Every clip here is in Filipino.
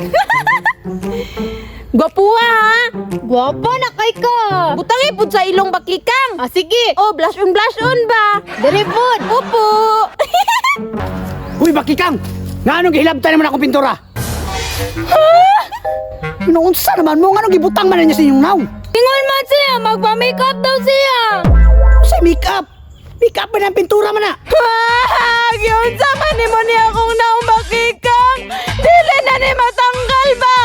Gwapuha ha. Gwapa na kay ka. Butangi pud sa ilong bakikang. Ah, sige. Oh, blush on ba? Dere pod. Opo. Uy, bakikang! Nga anong gihilabtan naman ako pintura? Noonsa naman mo, nga anong gibutang man na niya sa inyong naw? Ingon man siya, magpa-makeup daw siya. Sa make-up! Make-up ba ng pintura man na? Giunsa man ni mo ni akong naong bakikang. Dili na ni matanggal ba?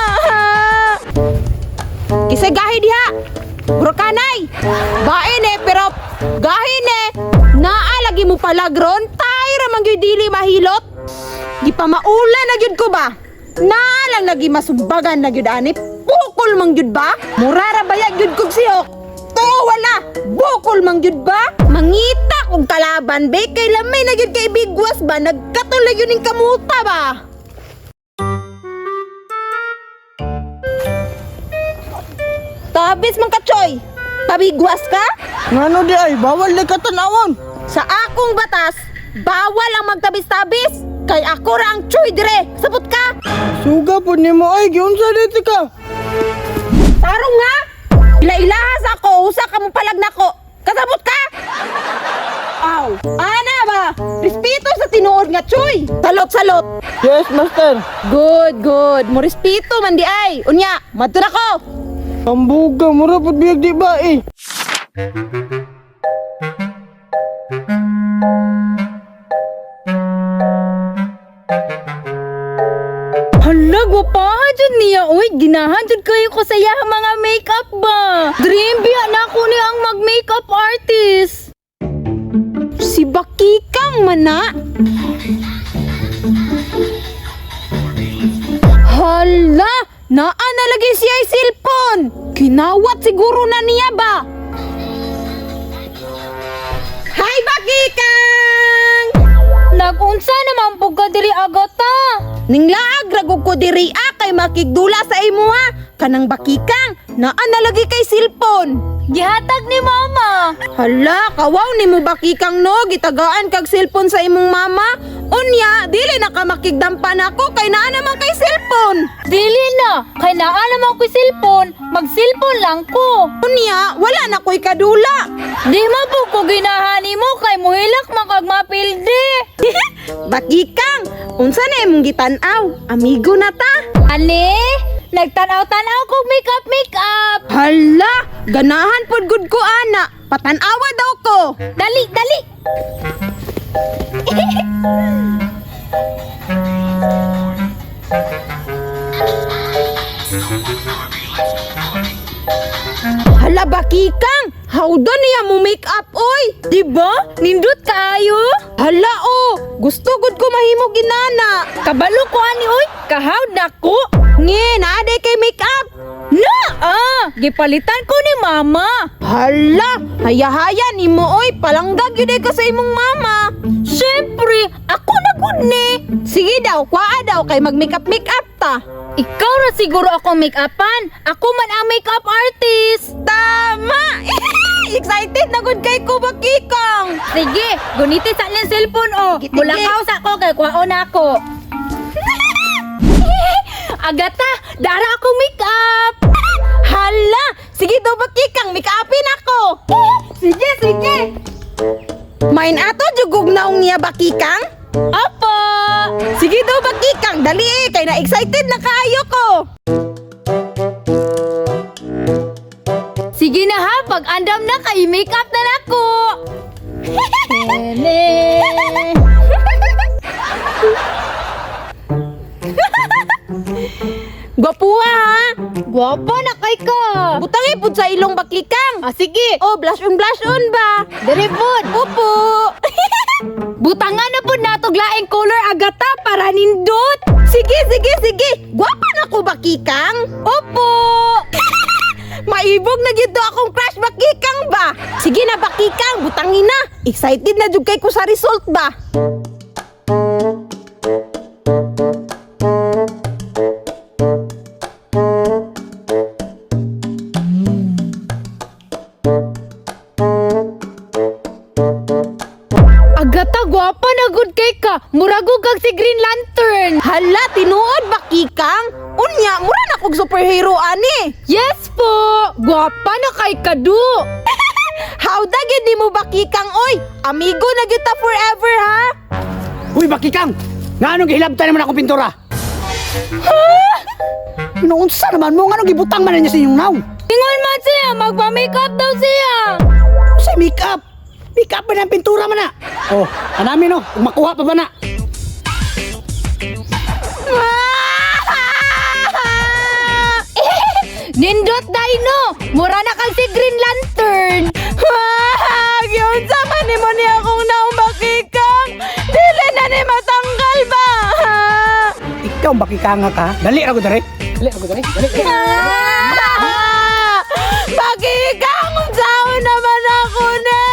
Kisay gahi diha. Bro kanay. Bain pero gahin naa lagi mo palagron. Tay ra man gyud dili mahilot. Di pa maula na gyud ko ba? Naa lang lagi masumbagan na gyud ani. Bukol man gyud ba? Murara baya gyud kog siyok. To wala. Bukol man gyud ba? Mangita kog kalaban be kay lamay na gyud kay bigwas ba? Nagkatuloy yun ning kamuta ba? Tabis man ka, Choy. Pabigwas ka? Ngano di ay, bawal na katanawon. Sa akong batas, bawal ang magtabis-tabis. Kay ako ra ang Choy dire. Sabot ka? Suga po ni mo ay, giunsa dito ka. Tarong nga. Ila-ilahas ako. Usa ka mo palag nako. Kasabot ka? Aw. Ana ba? Respeto sa tinuod nga, Choy. Salot-salot. Yes, master. Good. Mo respeto man di ay. Unya, madto na ko. Ambuga, mura po biyag di ba eh. Hala, gwapahan dyan niya. Uy, ginahan dyan kayo ko sa iya mga makeup ba. Dream biya na ako niya ang mag-makeup artist. Si Bakikang mana. Hala, naa na lagi siya ay cellphone. Kinawat siguro na niya ba? Hi Bakikang! Nagunsa naman po ka diri agata. Ninglaag ragog ko diri kay makigdula sa imo ha. Kanang Bakikang, naa na lagi kay cellphone. Gihatag ni mama. Hala, kawaw ni mo Bakikang no, gitagaan kag cellphone sa imong mama. Unya, dili na ka makigdampan ako kay naa naman kay cellphone. Dili na. Kay naa naman ko cellphone. Mag-cellphone lang ko. Unya, wala na ko'y kadula. Di mo po ko ginahani mo kay muhilak makagmapildi. Bakikang, unsa na imong gitanaw? Amigo na ta. Ani? Nagtanaw-tanaw ko makeup. Hala, ganahan pod gud ko ana. Patanawa daw ko. Dali. Hala Bakikang, how do niya mo make up oy? Diba? Nindot kaayo? Hala gusto gud ko mahimo ginana. Kabalo ko ani oy, kahawd na ko. Nge, naade kay make up. Gipalitan ko ni mama. Hala, haya-haya ni mo oy, palanggag yun ka sa imong mama. Siyempre, ako na gud ni. Sige daw, kwaa daw kay mag-make up ta. Ikaw na siguro ako make-upan. Ako man ang make-up artist. Tama! Excited na gud kay ko Bakikang. Sige, guniti sa ng cellphone o. Sige. Mulakaw sa ko kay kwaon ako. Agata, dara ako make-up. Hala, sige daw Bakikang, make upin ako. Sige. Main ato jugog naong niya Bakikang. Apa? Sige daw Bakikang, dali kay na excited na kaayo ko. Sige na ha, pag andam na kay make-up na nako. Gwapuha ha. Gwapa na kay ka. Butangi pud sa ilong Bakikang. Ah, sige. Oh, blush on ba? Dere pod. Opo. Butangan na po natog laing color agata para nindot. Sige. Gwapa na ko Bakikang. Opo. Maibog na gyud akong crush Bakikang ba? Sige na Bakikang, butangin na. Excited na jud kay ko sa result ba? Agata gwapa na good kay ka. Muragog kag si Green Lantern. Hala, tinuod Bakikang. Unya, mura na kog superhero ani. Yes po! Gwapa na kay Kadu! How da gyud di mo Bakikang oy? Amigo na gyud ta forever ha. Uy, Bakikang! Nganong gihilabtan naman akong pintura? Noonsa naman mo, nganong gibutang man na niya sa inyong naw? Ingon man siya, magpa-makeup daw siya! Sa make-up! Make-up ba na ang pintura man na? Oh, anami no, kung makuha pa ba na? Nindot Dino! Mura na kang si Green Lantern! Yun sa man ni mo niya akong naong Bakikang. Dili na ni matanggal ba? Ikaw, Bakikang ka? Dali ako dali. Dali ako dali. Dali. Bakikang, unsaon naman ako ni?